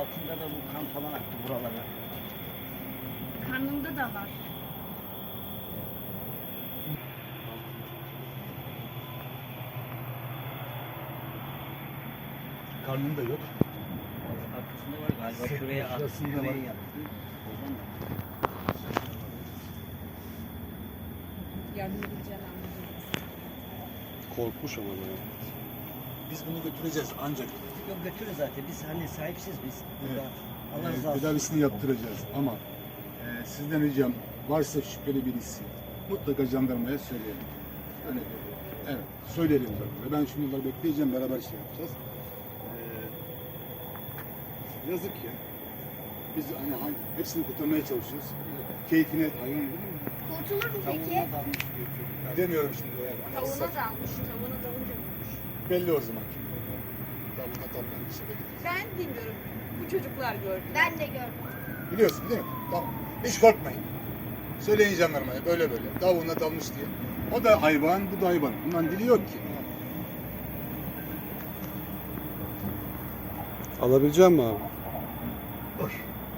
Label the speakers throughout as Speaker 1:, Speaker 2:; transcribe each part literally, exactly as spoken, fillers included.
Speaker 1: altında da bu kan falan aktı buralara.
Speaker 2: Karnımda da var.
Speaker 3: Karnında yok.
Speaker 1: Arkasında var galiba.
Speaker 3: Sırt
Speaker 1: Şuraya attı.
Speaker 3: şurasında
Speaker 1: Şuraya
Speaker 3: var.
Speaker 1: yaptı. Oradan da.
Speaker 2: Yardım edeceğim anlayacağız.
Speaker 4: Korkmuş ama ya.
Speaker 3: Biz bunu götüreceğiz ancak
Speaker 1: Yok götürün zaten. Biz hani sahipsiz biz. Burada.
Speaker 3: Evet.
Speaker 1: Allah
Speaker 3: e,
Speaker 1: razı olsun.
Speaker 3: tedavisini yaptıracağız ama e, sizden ricam varsa şüpheli birisi mutlaka jandarmaya söyleyelim. Öyle evet söyleyelim zaten. Ben şimdi bunları bekleyeceğim, beraber şey yapacağız. E, yazık ya. Biz hani hangi- hepsini kurtarmaya çalışıyoruz. Keyfine hayvan değil mi?
Speaker 2: Kurtulur mu peki?
Speaker 1: Tavuğuna dalmış diyor çocuklar.
Speaker 3: Demiyorum şimdi. Yani. Hani
Speaker 2: Tavuğuna
Speaker 3: ıslak-
Speaker 2: dalmış. Tavuğuna dalınca vurmuş.
Speaker 3: belli o zaman kim oldu. Tavuğuna dalgan bir şey belli.
Speaker 2: Ben bilmiyorum. Bu çocuklar gördü. Ben de gördüm.
Speaker 3: Biliyorsun değil mi? Tamam. Hiç korkmayın. Söyleyin jandarmaya böyle böyle. Tavuğuna dalmış diye. O da hayvan, bu da hayvan. Bundan dili yok ki.
Speaker 4: Alabilecek misin abi?
Speaker 3: Boş.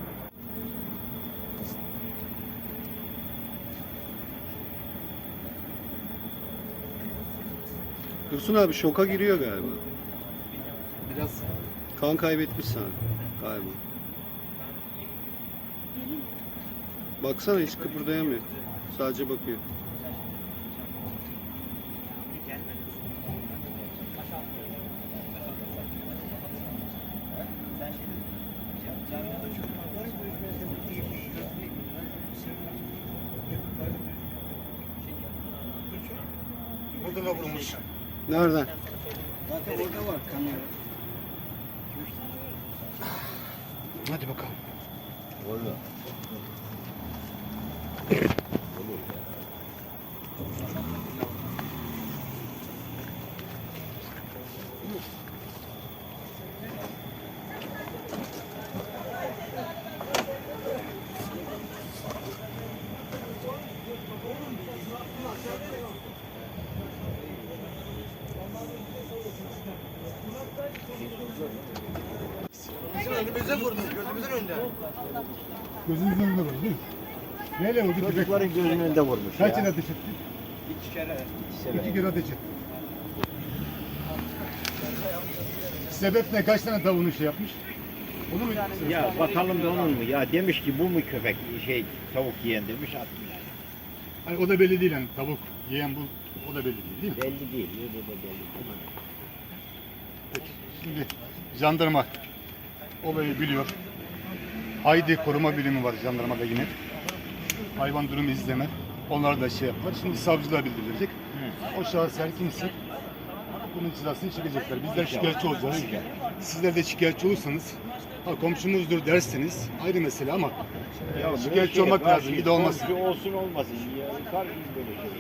Speaker 4: Dursun abi şoka giriyor galiba.
Speaker 3: Biraz
Speaker 4: Kan kaybetmiş sen galiba. Baksana hiç kıpırdayamıyor. Sadece bakıyor.
Speaker 3: burada da vurmuş.
Speaker 4: Nereden?
Speaker 1: Zaten orada var kanıyor.
Speaker 3: Hadi bakalım.
Speaker 1: Orada.
Speaker 5: Bizim önümüze vurdu, gözümüzün önünde.
Speaker 3: Gözünüzün önünde vurdu değil mi? Neyle vurdu?
Speaker 1: Çocukların gözünün önünde vurmuş
Speaker 3: Kaç
Speaker 1: ya.
Speaker 3: yıl ateş etti?
Speaker 1: İki kere.
Speaker 3: İki kere ateş etti. Sebep ne? Kaç tane tavuğunu şey yapmış? Onu mu?
Speaker 6: Ya bakalım da onun mu? Ya demiş ki bu mu köpek şey tavuk yiyen demiş atmış.
Speaker 3: Hani o da belli değil yani tavuk yiyen bu o da belli değil değil mi?
Speaker 6: Belli değil. Bu da belli değil.
Speaker 3: Peki. Şimdi jandarma olayı biliyor. Haydi koruma birimi var jandarmada yine. Hayvan durumu izleme. Onlar da şey yapar. Şimdi savcılığa bildirilecek. O şahıslar kimse bunun cezasını çekecekler. Bizler şikayetçi olacağız. Sizler de şikayetçi olursanız ha, komşumuzdur derseniz ayrı mesele ama
Speaker 6: Ya
Speaker 3: şikayetçi olmak lazım. Bir de olmasın.
Speaker 6: Olsun olmasın. Ya, karşı böyle şey.